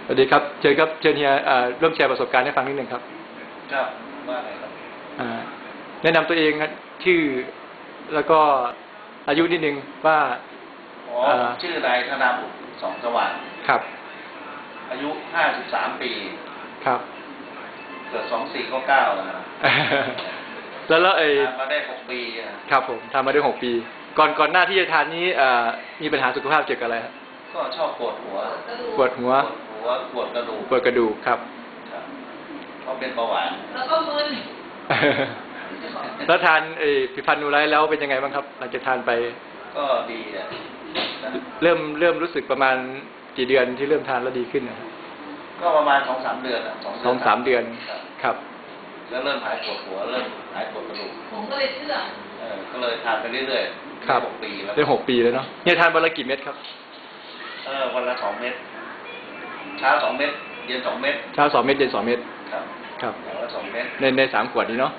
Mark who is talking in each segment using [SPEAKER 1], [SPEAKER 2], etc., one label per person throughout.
[SPEAKER 1] วัสดีครับเชิญครับเชิญเฮียร่วมแชร์ประสบการณ์ให้ฟังนิดนึงครับ
[SPEAKER 2] ครับว่าไงครับ
[SPEAKER 1] แนะนำตัวเองชื่อแล้วก็อายุนิดนึงว่า
[SPEAKER 2] ชื่อนายธนาบุตรสองสว่าง
[SPEAKER 1] ครับ
[SPEAKER 2] อายุ53 ปี
[SPEAKER 1] ครับ
[SPEAKER 2] เกิด2499นะครับ
[SPEAKER 1] แล้ว
[SPEAKER 2] ทำมาได้6 ปี
[SPEAKER 1] ครับผมทำมาได้6 ปีก่อนหน้าที่จะทานนี้มีปัญหาสุขภาพเกี่ยวกับอะไรครับ
[SPEAKER 2] ก็ชอบปวดหัว
[SPEAKER 1] ปวดหัว
[SPEAKER 2] ปวดกระดูก
[SPEAKER 1] ครับ
[SPEAKER 2] เพราะเป็นเบาหวาน
[SPEAKER 3] แล้วก็มึน
[SPEAKER 1] แล้วทานผลิตภัณฑ์นูไลท์แล้วเป็นยังไงบ้างครับหลังจากทานไป
[SPEAKER 2] ก็ดีนะ
[SPEAKER 1] เริ่มรู้สึกประมาณกี่เดือนที่เริ่มทานแล้วดีขึ้นนะ
[SPEAKER 2] ก็ประมาณ2-3 เดือน
[SPEAKER 1] 2-3 เดือนครับ
[SPEAKER 2] แล้วเริ่มหายปวดหัวเริ่มหายปวดกระดูก
[SPEAKER 3] ผมก็เลยเชื่อ
[SPEAKER 2] ก็เลยทานไปเรื่อยๆ
[SPEAKER 1] ครับ
[SPEAKER 2] 6 ปีแล้ว
[SPEAKER 1] ได้6 ปีแล้วเนาะเนี่ยทานวันละกี่เม็ดครับ
[SPEAKER 2] วันละ2 เม็ดเช้า2 เม็ดเย็น2 เม็ด
[SPEAKER 1] เช้า2 เม็ดเย็น2 เม็ด
[SPEAKER 2] ครับอย่างละ2 เม็ด
[SPEAKER 1] ใน3 ขวดนี้เนาะ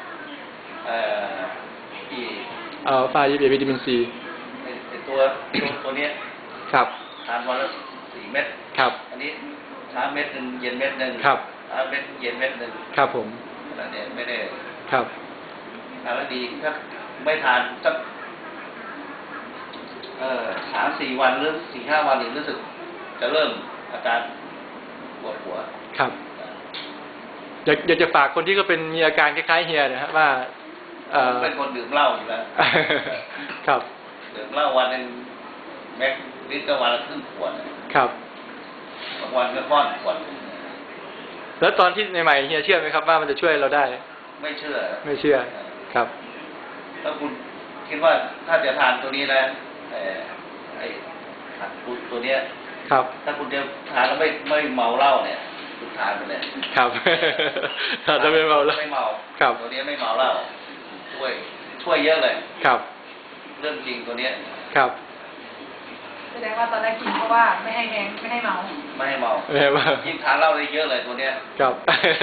[SPEAKER 2] ที่
[SPEAKER 1] ฟ้าวิตามินซี
[SPEAKER 2] ตัวนี้
[SPEAKER 1] ครับ
[SPEAKER 2] ทานวันละ4 เม็ด
[SPEAKER 1] ครับ
[SPEAKER 2] อันนี้เช้าเม็ดนึงเย็นเม็ดนึง
[SPEAKER 1] ครับ
[SPEAKER 2] เช้าเม็ดเย็นเม็ดนึง
[SPEAKER 1] ครับผม
[SPEAKER 2] แต่เนี่ยไม่ได้
[SPEAKER 1] ครับ
[SPEAKER 2] ทานแล้วดีถ้าไม่ทานสัก3-4 วันหรือ4-5 วันนี่รู้สึกจะเริ่มอาการปวดหัว
[SPEAKER 1] ครับอยากจะฝากคนที่ก็เป็นมีอาการคล้ายๆเฮียนะครับว่า
[SPEAKER 2] เป็นคนดื่มเหล้าอยู่แล้ว
[SPEAKER 1] ครับ
[SPEAKER 2] ดื่มเหล้าวันนึงแม็กลิตรวันละครึ่งขวด
[SPEAKER 1] ครับ
[SPEAKER 2] บางวันก็ค่อนขวด
[SPEAKER 1] แล้วตอนที่ใหม่ๆเฮียเชื่อไหมครับว่ามันจะช่วยเราได้
[SPEAKER 2] ไม่เชื่อ
[SPEAKER 1] ครับ
[SPEAKER 2] ถ้าคุณคิดว่าถ้าจะทานตัวนี้นะไอ้ตัวเนี้ย
[SPEAKER 1] ครับ
[SPEAKER 2] ถ้าคุณจะทานแล้วไม่เมาเหล้าเนี่ยคุณทานไปเลย
[SPEAKER 1] ครับทานแล้วไม่เมาแล้ว
[SPEAKER 2] ไม่เมา
[SPEAKER 1] ครับ
[SPEAKER 2] ตัวนี้ไม่เมาเหล้าช่วยเยอะเลย
[SPEAKER 1] ครับ
[SPEAKER 2] เรื่องจริงตัวเนี้ย
[SPEAKER 1] ครับ
[SPEAKER 3] แสดงว่าตอนแรกกินเพราะว่าไม่ให้แฮงไม่ให้เมา
[SPEAKER 2] ยิ่งทานเหล้าได้เยอะเลยตัวเนี้ย
[SPEAKER 1] ครับ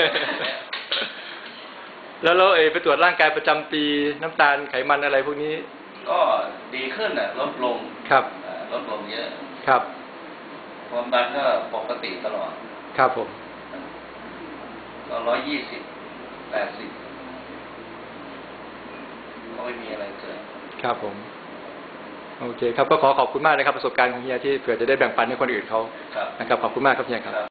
[SPEAKER 1] แล้วไปตรวจร่างกายประจำปีน้ำตาลไขมันอะไรพวกนี้
[SPEAKER 2] ก็ดีขึ้นลดลง
[SPEAKER 1] ครับ
[SPEAKER 2] ลดลงเยอะ
[SPEAKER 1] ครับ
[SPEAKER 2] ความดันก็ปกติตลอด
[SPEAKER 1] ครับผม
[SPEAKER 2] ก็120/80ก็ไม่มีอะไรเกิน
[SPEAKER 1] ครับผมโอเคครับก็ขอบคุณมากนะครับประสบการณ์ของเฮียที่เผื่อจะได้แบ่งปันให้คนอื่นเขานะครับขอบคุณมากครับเฮียครับ